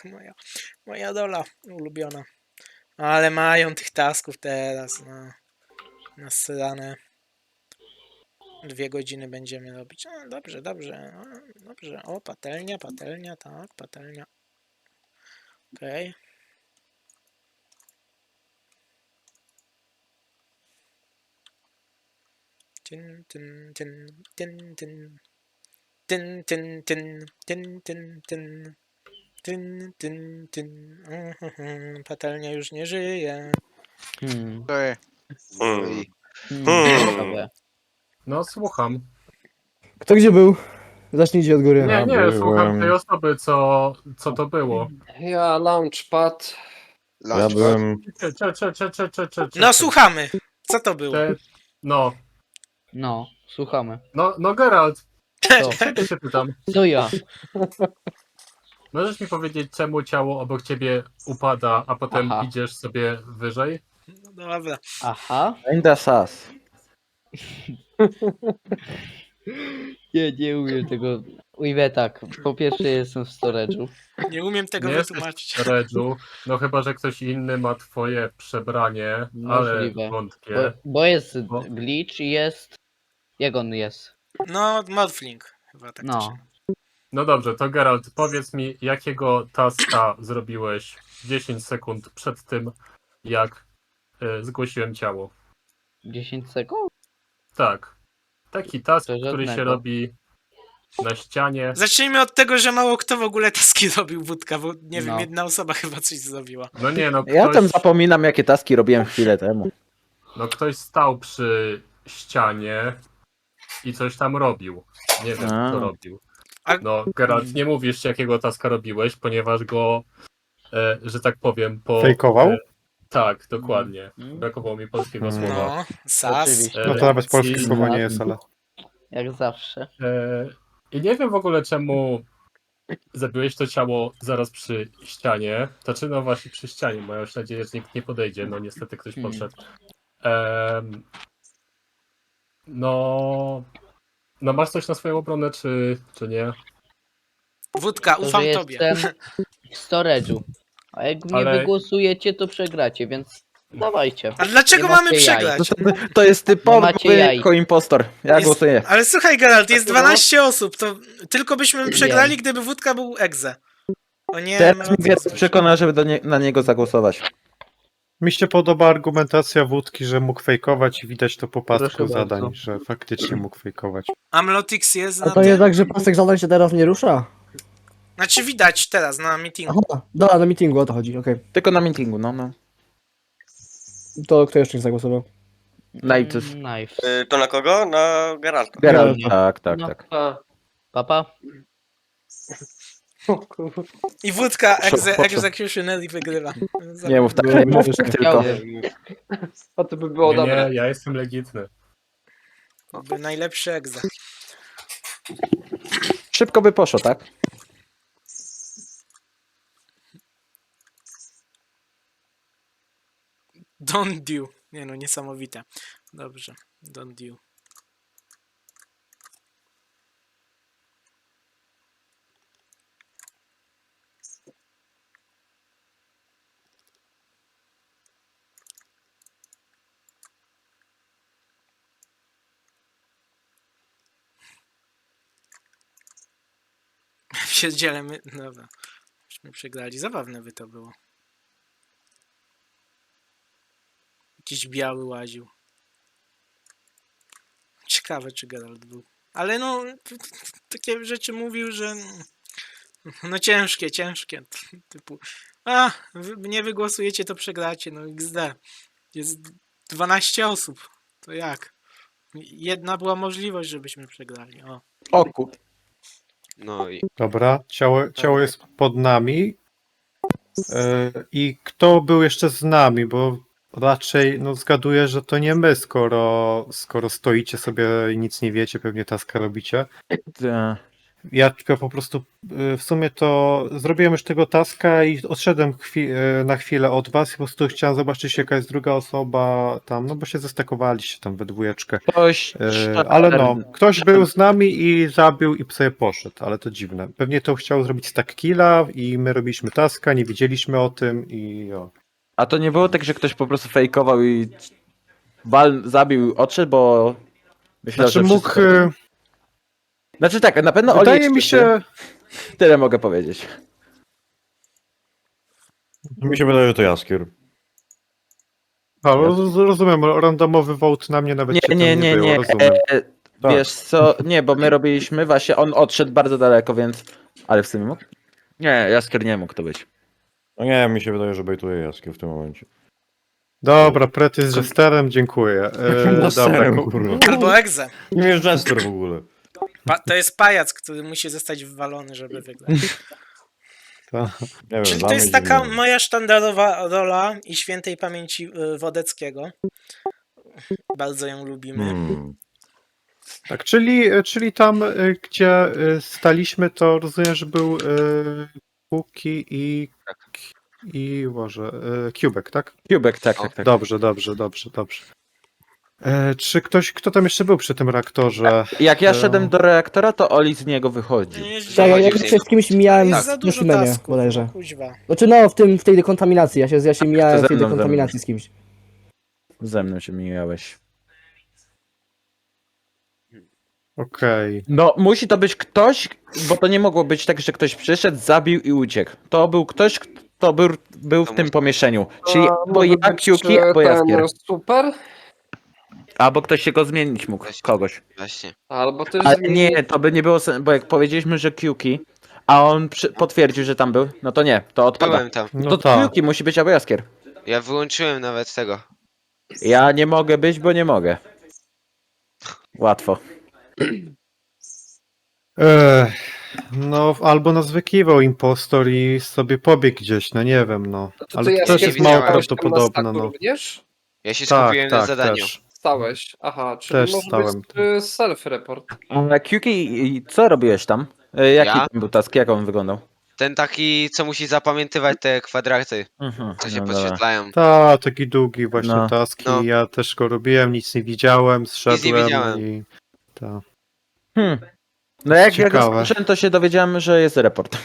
Moja dola ulubiona. Ale mają tych tasków teraz, no. Nasrane. 2 godziny będziemy robić. No, dobrze, dobrze. No, dobrze. O, patelnia, tak, patelnia. Okej. Tyn, tyn, tyn, tyn, tyn. Tyn, tyn, tyn, tyn, tyn, tyn. Tyn, tyn, tyn. Patelnia już nie żyje. Ej. Mm. Ciekawe. No, słucham. Kto gdzie był? Zacznijcie od góry. Nie, nie, słucham tej osoby, co to było. Ja launchpad. Ja byłem... No słuchamy. Co to było? No, No, słuchamy. no Geralt, Co? ciebie się pytam. Co ja? Możesz mi powiedzieć, czemu ciało obok ciebie upada, a potem Aha. idziesz sobie wyżej? No dobra. Aha. Ainda sas. Nie umiem tego. Ujmę tak. Po pierwsze jestem w storage'u. Nie umiem tego Nie jesteś wytłumaczyć. w Redżu, no chyba, że ktoś inny ma twoje przebranie, ale Możliwe. wątpię. Bo jest Bo- glitch i jest... Jak on jest? No, Morphling. Chyba tak to się... No. No dobrze, to Geralt, powiedz mi, jakiego taska zrobiłeś 10 sekund przed tym, jak zgłosiłem ciało? 10 sekund? Tak. Taki task, To który się żadnego. robi na ścianie. Zacznijmy od tego, że mało kto w ogóle taski robił wódka, bo nie wiem, No. jedna osoba chyba coś zrobiła. No nie, no Ja tam ktoś, zapominam, jakie taski robiłem chwilę temu. no ktoś stał przy ścianie i coś tam robił. Nie wiem, A. co robił. A- No, Geralt, nie mówisz, jakiego taska robiłeś, ponieważ go, że tak powiem, Fejkował? Tak, dokładnie. Mm. Brakowało mi polskiego Mm. słowa. No, sas. Oczywiście. No to nawet polskie I- słowo nie jest, ale... Jak zawsze. I nie wiem w ogóle, czemu zabiłeś to ciało zaraz przy ścianie. Znaczy, no właśnie przy ścianie, bo ja już nadzieję, że nikt nie podejdzie. No niestety ktoś podszedł. No... No masz coś na swoją obronę, czy nie? Wódka, To, ufam że tobie. jestem w storage'u. A jak mnie Ale- wygłosujecie, to przegracie, więc dawajcie. A dlaczego Nie mamy macie jaj. przegrać? To jest typowy macie jaj. impostor. Ja Jest- głosuję. Ale słuchaj, Geralt, jest 12 osób, to tylko byśmy przegrali, gdyby wódka był egze. O nie, Teraz no, mi Geralt przekona, żeby na niego zagłosować. Mi się podoba argumentacja wódki, że mógł fejkować i widać to po pasku Proszę zadań, bardzo. że faktycznie mógł fejkować. Amlotix jest A na to tym? jest tak, że pasek zadań się teraz nie rusza? Znaczy widać teraz na meetingu. Aha, dobra, na meetingu o to chodzi, okej. Tylko na meetingu, no. To kto jeszcze nie zagłosował? Najpierw. Knife. To na kogo? Na Geralta. Geralt, Geralt. tak. No. A, Papa? o kurwa. I wódka Proszę. executioner i wygrywa. Nie mów tak, nie mów tak tylko. A to by było Nie, dobre. nie, ja jestem legitny. Byłby najlepszy egze. Szybko by poszło, tak? Don't do. Nie no, niesamowite. Dobrze, don't do. Siedzielemy. Dobra. Myśmy przegrali. Zabawne by to było. Jakiś biały łaził. Ciekawe, czy Geralt był. Ale no, takie rzeczy mówił, że no ciężkie. Typu, wy nie wygłosujecie, to przegracie. No XD. Jest 12 osób. To jak? Jedna była możliwość, żebyśmy przegrali. O. O kur... No i Dobra, ciało jest pod nami. I kto był jeszcze z nami, bo raczej no, zgaduję, że to nie my, skoro stoicie sobie i nic nie wiecie, pewnie taska robicie. ja po prostu w sumie to zrobiłem już tego taska i odszedłem na chwilę od was i po prostu chciałem zobaczyć jaka jest druga osoba tam, no bo się zestakowaliście tam we dwójeczkę. Ktoś... Ale no, ktoś był z nami i zabił i sobie poszedł, ale to dziwne. Pewnie to chciał zrobić stack killa i my robiliśmy taska, nie wiedzieliśmy o tym i o. A to nie było tak, że ktoś po prostu fejkował i zabił, odszedł, bo... Myślał, Znaczy że mógł... wszyscy- Znaczy tak, na pewno Wydaje Oli mi jest się... Tyle mogę powiedzieć. Mi się wydaje, że to Jaskier. Rozumiem, randomowy vote na mnie nawet cię tam Nie. było, rozumiem. Tak. Wiesz co, nie, bo my robiliśmy właśnie, on odszedł bardzo daleko, więc... Ale w sumie mógł? Nie, Jaskier nie mógł to być. No nie, mi się wydaje, że bejtuje Jaskier w tym momencie. Dobra, Pret jest jesterem, dziękuję. Dobra, Serem, kurwa. Albo egze. Nie jest jester w ogóle. To jest pajac, który musi zostać wywalony, żeby wygrać. Nie wiem, Czyli dla to mnie jest taka dziwne. moja sztandarowa rola i świętej pamięci Wodeckiego. Bardzo ją lubimy. Tak, czyli tam, gdzie staliśmy, to rozumiem, że był Kuki i Boże, Kubek, tak? Kubek, tak. Dobrze. Czy kto tam jeszcze był przy tym reaktorze? Jak ja szedłem do reaktora, to Oli z niego wychodzi. Nie jest Tak, ja Wychodził z się z kimś mijałem jest za w dużo Neszymenie, tasków, bodajże. no kuźwa. Znaczy no, w tej dekontaminacji, ja się mijałem ze w tej mną, dekontaminacji z kimś. Ze mną się mijałeś. Okej. No, musi to być ktoś, bo to nie mogło być tak, że ktoś przyszedł, zabił i uciekł. To był ktoś, kto był w tym pomieszczeniu. Czyli albo ja, Kiuki, albo Jaskier. Super? Albo ktoś się go zmienić mógł, kogoś. Właśnie. Albo też Ale nie, to by nie było bo jak powiedzieliśmy, że Kiuki, a on potwierdził, że tam był, no to nie, to odpada. Byłem tam. No To tak. Kiuki musi być albo Jaskier. Ja wyłączyłem nawet tego. Ja nie mogę być, bo nie mogę. Łatwo. No, albo nas wykiwał impostor i sobie pobiegł gdzieś, no nie wiem, no. To Ale ty, to Jaskier, też jest mało widziałem. prawdopodobne, no. również? Ja się Tak, skupiłem na tak, zadaniu. też. Stałeś. Aha, czyli Też może stałem. być self-report. A Kiuki, co robiłeś tam? Jaki Ja? tam był task, jak on wyglądał? Ten taki, co musi zapamiętywać te kwadraty, co się no dobra. podświetlają. Taki długi właśnie No. taski, No. ja też go robiłem, nic nie widziałem, zszedłem widziałem. i... Tak. No jak ja go Ciekawe. skończyłem, to się dowiedziałem, że jest report.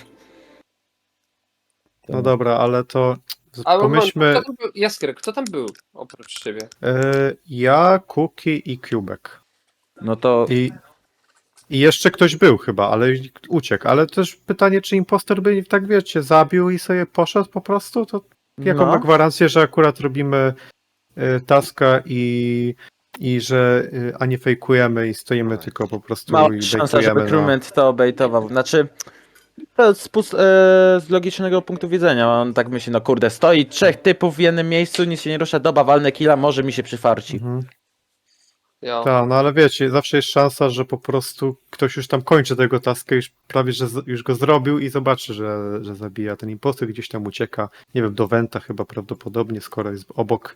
No dobra, ale to Ale pomyślmy, kto tam był? Jaskier, kto tam był oprócz ciebie? ja, Kuki i Kubek. No to I jeszcze ktoś był chyba, ale uciekł. Ale też pytanie, czy impostor by tak wiecie, zabił i sobie poszedł po prostu? To jaką no. ma gwarancję, że akurat robimy taska i że a nie fejkujemy i stoimy tylko po prostu Mała i szansa, żeby bejtujemy. No. crewment to bejtował. Znaczy, to z logicznego punktu widzenia. On tak myśli, no kurde, stoi 3 typów w jednym miejscu, nic się nie rusza, doba, walnę killa, może mi się przyfarci. Mhm. Ja. Tak, no ale wiecie, zawsze jest szansa, że po prostu ktoś już tam kończy tego taskę, już prawie, że już go zrobił i zobaczy, że zabija. Ten impostor gdzieś tam ucieka, nie wiem, do Wenta chyba prawdopodobnie, skoro jest obok.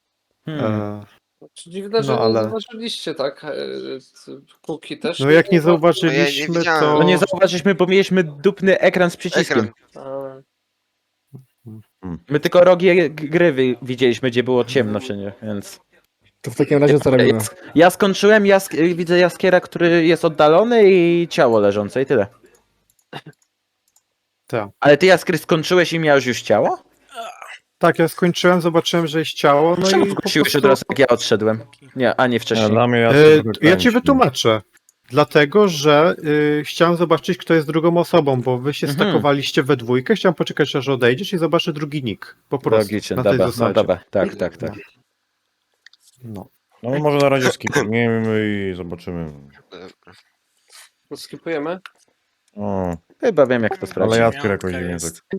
Dziwne, że No, nie ale- zauważyliście, tak? Kuki też. No jak nie No ja zauważyliśmy, nie widziałem. to... No nie zauważyliśmy, bo mieliśmy dupny ekran z przyciskiem. Ekran. A, My tylko rogi gry widzieliśmy, gdzie było ciemno wszędzie, więc... To w takim razie co robimy? Ja skończyłem, widzę Jaskiera, który jest oddalony i ciało leżące i tyle. Tak. Ale ty Jaskier skończyłeś i miałeś już ciało? Tak, ja skończyłem, zobaczyłem, że jest ciało, no Czemu i po wróciłeś prostu... od razu, jak ja odszedłem? Nie, a nie wcześniej. Dla mnie Ja ci wytłumaczę. Dlatego, że chciałem zobaczyć, kto jest drugą osobą, bo wy się Mhm. stakowaliście we dwójkę, chciałem poczekać, aż odejdziesz i zobaczę drugi nick. Po prostu, Logicznie, na tej dobra, no zasadzie. dobra, tak. No. No może na razie skipniemy i zobaczymy. to skipujemy? O, Chyba wiem, jak to sprawdzić. ale Jaskier jakoś Piątka dziwnie jest. tak.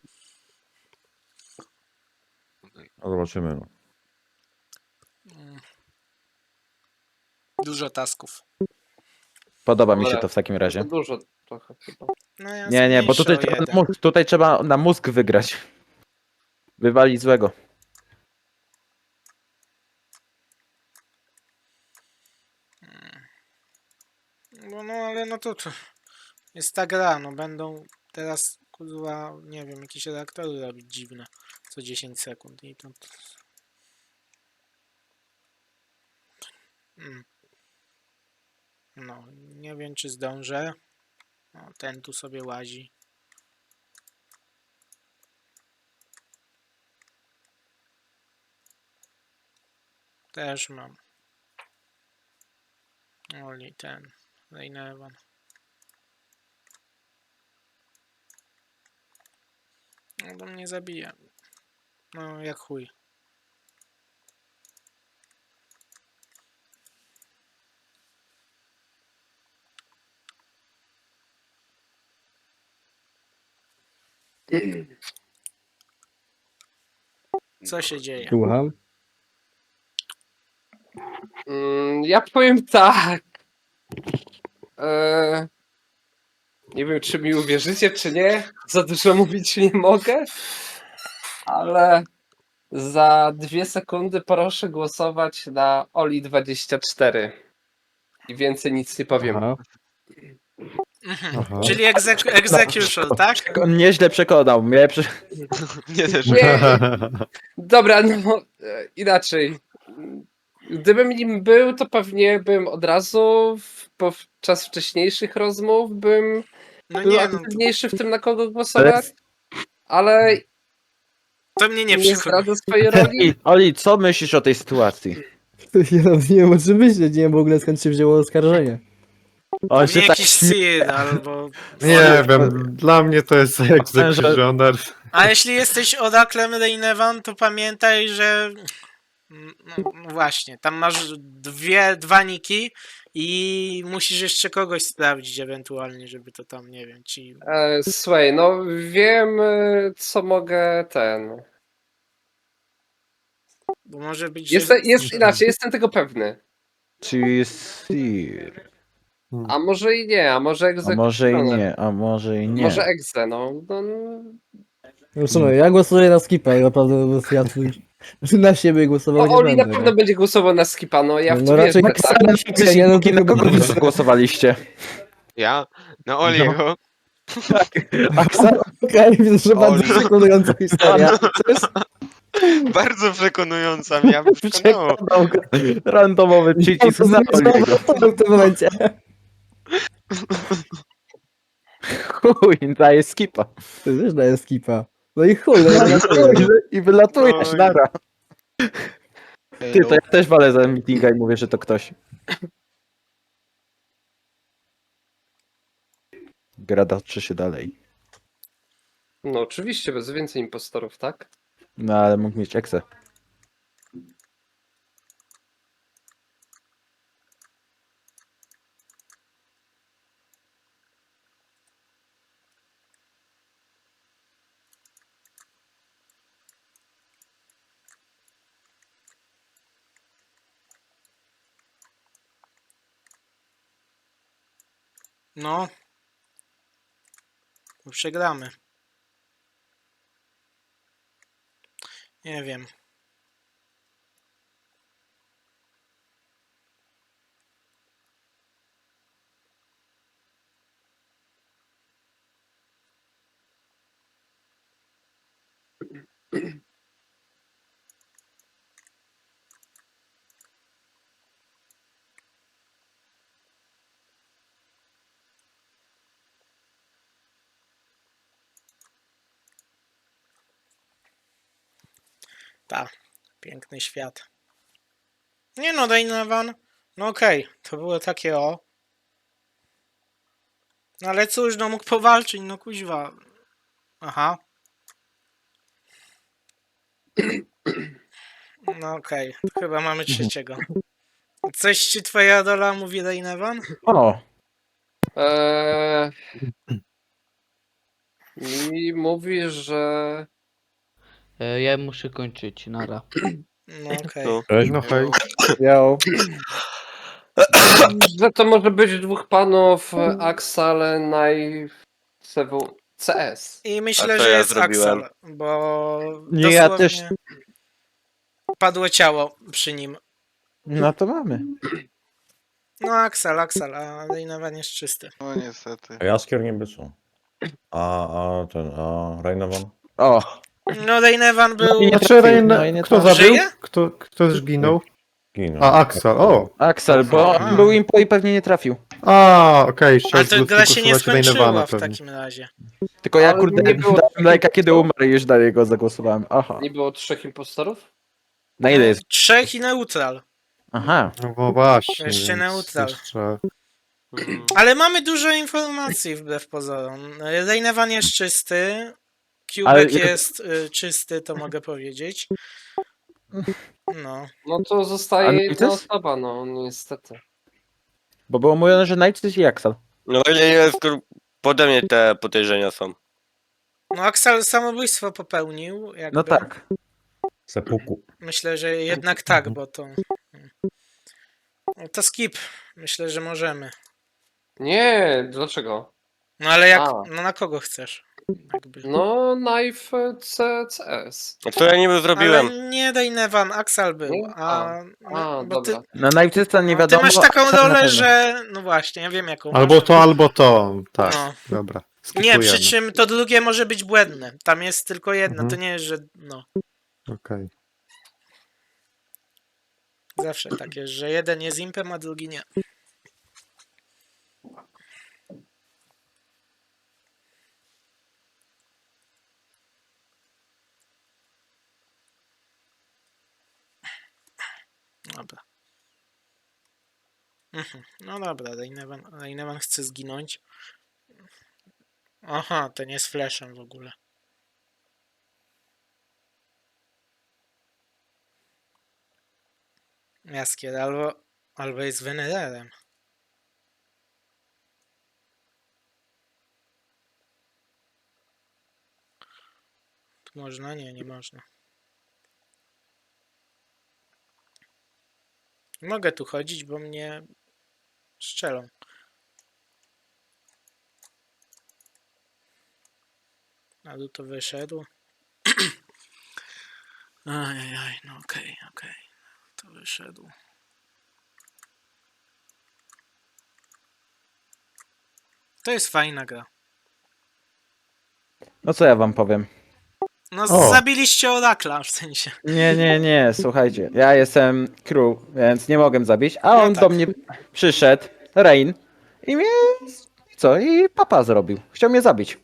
A zobaczymy. No. Dużo tasków. Podoba mi się Dobra. to w takim To razie. dużo trochę chyba. No ja Nie, bo zmniejszę tutaj o trzeba, jeden. tutaj trzeba na mózg wygrać. Wywalić złego. No ale no to Jest ta gra, no będą teraz, kurwa, nie wiem, jakieś reaktory robić dziwne. Co 10 sekund i to... No, nie wiem czy zdążę. O, ten tu sobie łazi. Też mam. Oli ten. Reynevan. No to mnie zabija. No jak chuj. Co się dzieje? Słucham. Ja powiem tak. Nie wiem, czy mi uwierzycie, czy nie. Za dużo mówić nie mogę. Ale za 2 sekundy proszę głosować na Oli24. I więcej nic nie powiem. Aha. Aha. Czyli execution, tak? On nieźle przekonał mnie. Nie też. Nie, dobra, no inaczej. Gdybym nim był, to pewnie bym od razu podczas wcześniejszych rozmów bym No był nie, no aktywniejszy w tym, na kogo głosować, ale to mnie nie nie przekonuje. zdradza swojej roli. Oli, co myślisz o tej sytuacji? Ja nawet nie wiem o czym myśleć, nie wiem w ogóle skąd się wzięło oskarżenie. On Pewnie się tak jakiś Sir albo... Nie wiem, dla mnie to jest egzekutioner. A jeśli jesteś oraklem Reynevan, to pamiętaj, że... No właśnie, tam masz dwa niki i musisz jeszcze kogoś sprawdzić ewentualnie, żeby to tam, nie wiem, ci... Słuchaj, no wiem, co mogę Bo może być, Jest inaczej, jestem tego pewny. Czy Sir? A może i nie, a może A egzekucja. może i nie, a może i nie. Może egze, no. No słuchaj, ja głosuję na skipa, naprawdę po prostu ja twój na siebie głosował nie Oli na będę. pewno nie? będzie głosował na skipa, no ja w No to raczej wierzę, tak tak. samo. Ja no to Na kogo chyba- wy głosowaliście? Ja? Na Oliego? Okej, widzę, że bardzo Oli. przekonująca historia. Bardzo przekonująca mnie, ja bym przekonał. Przekonał go. Randomowy przycisk na Oliego. w tym momencie. Chuj, daje skipa. Ty też daje skipa. No i chuj, no i wylatuje. I wylatujesz, Oj. nara. Ty, to ja też walę za meetinga i mówię, że to ktoś. Gra toczy się dalej. No oczywiście, bez więcej impostorów, tak? No ale mógł mieć eksę. No. Bo przegramy. Nie wiem. Ta, piękny świat. Nie no, Reynevan. No okej, to było takie o. No ale cóż, no mógł powalczyć, no kuźwa. Aha. No okej, chyba mamy trzeciego. Coś ci twoja rola mówi, Reynevan? O, Mi mówi, że Ja muszę kończyć, nara. No okej. No. No hej. Yo. że to może być 2 panów Axal CS. I myślę, A co że ja jest zrobiłem? Axel, bo Nie, ja dosłownie też- padło ciało przy nim. no to mamy. No Axel, a Reinovan jest czysty. No niestety. A Jaskier niby co? A Reinovan? O, No Reinovan był... nie Znaczy, trafił, no i nie kto trafił. zabił? Żyje? Kto zginął? Ginął. A, Axel, o! Axel, bo Aha. był impo i pewnie nie trafił. A, okej, Ale chciałem to gra się nie zagłosować skończyła Rainevana w pewnie. takim razie. Tylko ja Ale kurde, nie było- dałem lajka kiedy umarł i już na niego zagłosowałem. Aha. Nie było 3 impostorów? Na ile jest? 3 i neutral. Aha. No właśnie. Jeszcze więc neutral. Jeszcze... Ale mamy dużo informacji wbrew pozorom. Reinovan jest czysty. Ale Kubek jak- jest czysty, to mogę powiedzieć. No. No to A zostaje no i jedna to jest- osoba, no niestety. Bo było mówione, że Night i Axel. No ile jest, pode mnie te podejrzenia są. No Axel samobójstwo popełnił. Jakby. No tak. Sepuku. Myślę, że jednak tak, bo to... No to skip. Myślę, że możemy. Nie, dlaczego? No ale jak... A. No na kogo chcesz? Jakby. No, Knife CS. A co ja niby zrobiłem? Ale nie Reinovan, Axel był. Nie? A, A, bo ty, dobra. Na Night nie ty wiadomo. masz taką Axel na rolę, pewno. że... No właśnie, ja wiem jaką Albo masz. to, albo to. Tak, No. dobra. Nie, skipujemy. przy czym to drugie może być błędne. Tam jest tylko jedno, Mhm. to nie jest, że no. Okej. Zawsze tak jest, że jeden jest impem, a drugi nie. Dobra. No dobra, Reinovan chce zginąć. Aha, ten jest flashem w ogóle. Jaskier, albo jest Venererem. Tu można? Nie, nie można. Nie mogę tu chodzić, bo mnie strzelą. Ale to wyszedł. Ajajaj, no okej. To wyszedł. To jest fajna gra. No co ja wam powiem? No O. zabiliście Orakla w sensie. Nie, słuchajcie. Ja jestem crew, więc nie mogę zabić, a on tak. do mnie przyszedł, Rain, i mnie... Co? I papa zrobił. Chciał mnie zabić.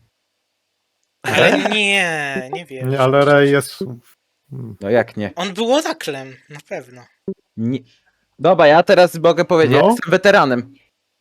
Ale nie wiem. Nie, ale Ray jest... No jak nie? On był Oraklem, na pewno. Nie. Dobra, ja teraz mogę powiedzieć, No. ja jestem weteranem.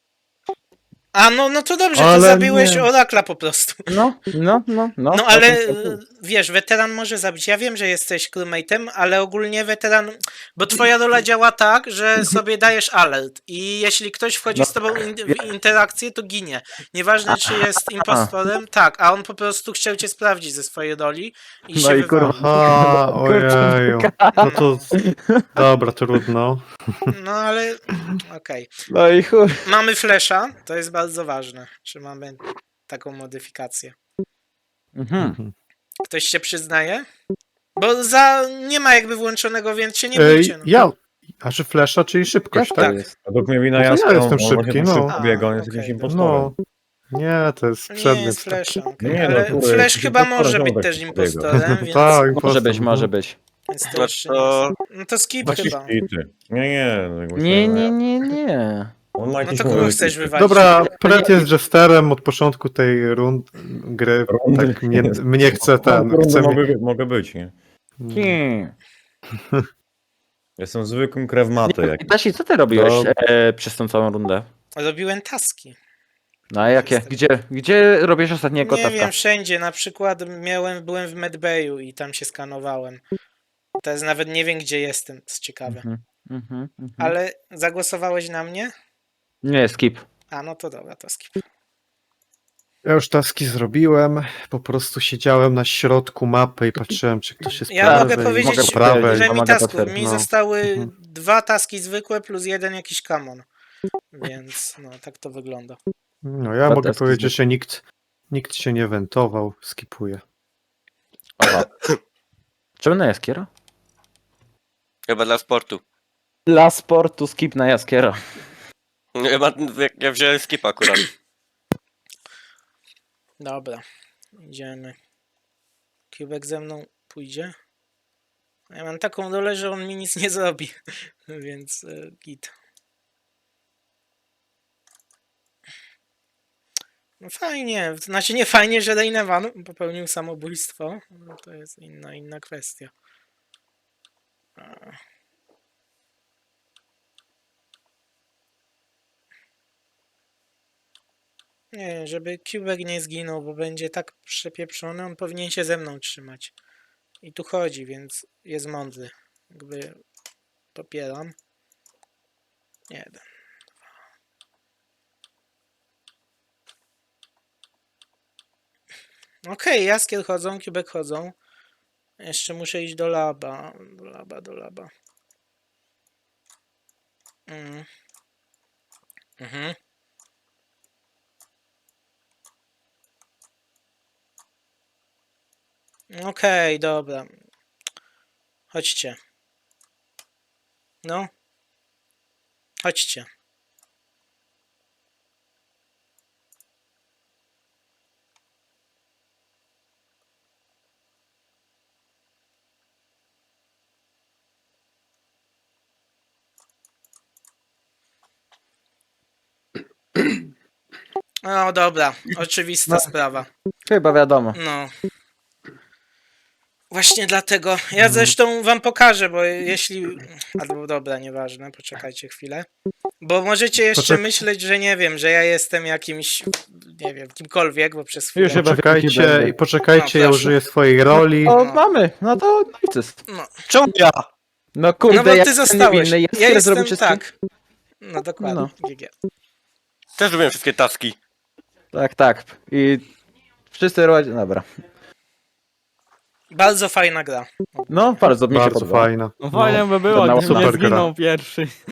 A no to dobrze, to Ale zabiłeś nie. Orakla po prostu. No. No ale wiesz, weteran może zabić. Ja wiem, że jesteś crewmate'em, ale ogólnie weteran. Bo twoja rola działa tak, że sobie dajesz alert. I jeśli ktoś wchodzi No. z tobą w interakcję, to ginie. Nieważne, czy jest impostorem. Tak, a on po prostu chciał cię sprawdzić ze swojej roli i No się i kurwa. wywalił. Aha, ojeju. No to... Dobra, trudno. No ale okej. No i chuj. Mamy flasha, to jest bardzo ważne, że mamy taką modyfikację. Mhm. Ktoś się przyznaje? Bo nie ma jakby włączonego, więc się nie bójcie. No. Ja... A czy flesza, czyli szybkość, Jak tak? to jest? Według mnie wina No to ja Jaskier, jestem on szybki, się no. szybko biega, on jest okej, jakimś dobra. impostorem. No. Nie, to jest To nie przedmiot. jest flasha, okej. Nie, no, ale kurde, flash jakiś chyba impostor może być ziomek też biega. impostorem, więc, Tak, Może impostor, być, no. może być. więc to No jeszcze nie to... jest. No to skip Taki chyba. hity. Nie. Nie. On ma No jakieś to kogo mowy chcesz hity. wywalić? Dobra, Pret jest jesterem od początku tej gry. Rundy. Tak mnie chce ten. Rundy Chce mnie... mogę być, nie? Hmm. Jestem zwykłym krewmatem. Jak... Tasi, co ty robiłeś No. przez tą całą rundę? Robiłem taski. No a jakie? Gdzie robisz ostatniego Nie taska? wiem, wszędzie. Na przykład byłem w Medbayu i tam się skanowałem. Teraz nawet nie wiem, gdzie jestem, to jest ciekawe. Mhm. Ale zagłosowałeś na mnie? Nie, skip. A no to dobra, to skip. Ja już taski zrobiłem. Po prostu siedziałem na środku mapy i patrzyłem, czy ktoś jest Ja prawej, mogę powiedzieć, mogę prawej. że mi Mogę tasków. potwierdzić, Mi no. zostały Mhm. 2 taski zwykłe plus 1 jakiś kamon. Więc no, tak to wygląda. No ja Dwa mogę taski powiedzieć, że nikt się nie wentował. Skipuję. Oha. Czemu na Jaskiera? Chyba dla sportu. Dla sportu skip na Jaskiera. Ja wziąłem skipa akurat. Dobra, idziemy. Kubek ze mną pójdzie. Ja mam taką dolę, że on mi nic nie zrobi, więc git. No fajnie, znaczy nie fajnie, że Reynevan popełnił samobójstwo, no to jest inna kwestia. Nie, żeby Kubek nie zginął, bo będzie tak przepieprzony, on powinien się ze mną trzymać. I tu chodzi, więc jest mądry. Jakby popieram. 1. Okej, Jaskier chodzą, Kubek chodzą. Jeszcze muszę iść do laba. Do laba. Mhm. Okej, dobra. Chodźcie. No. Chodźcie. No dobra, oczywista sprawa. Chyba wiadomo. No. Właśnie dlatego. Ja zresztą wam pokażę, bo jeśli... Albo dobra, nieważne, poczekajcie chwilę. Bo możecie jeszcze myśleć, że nie wiem, że ja jestem jakimś, nie wiem, kimkolwiek, bo przez chwilę... Już chyba Poczekajcie, No, ja proszę. użyję swojej roli. O, mamy! No to nic. No, Czemu ja? No kurde, no bo ja ty jestem zostałeś. niewinny, Ja jestem, zrobił wszystko. tak. No dokładnie, No. GG. Też robiłem wszystkie taski. Tak. I wszyscy robią. Dobra. Bardzo fajna gra. No, bardzo mi się Bardzo podoba. fajna. No fajnie by było, to gdybym nie super gra. zginął pierwszy.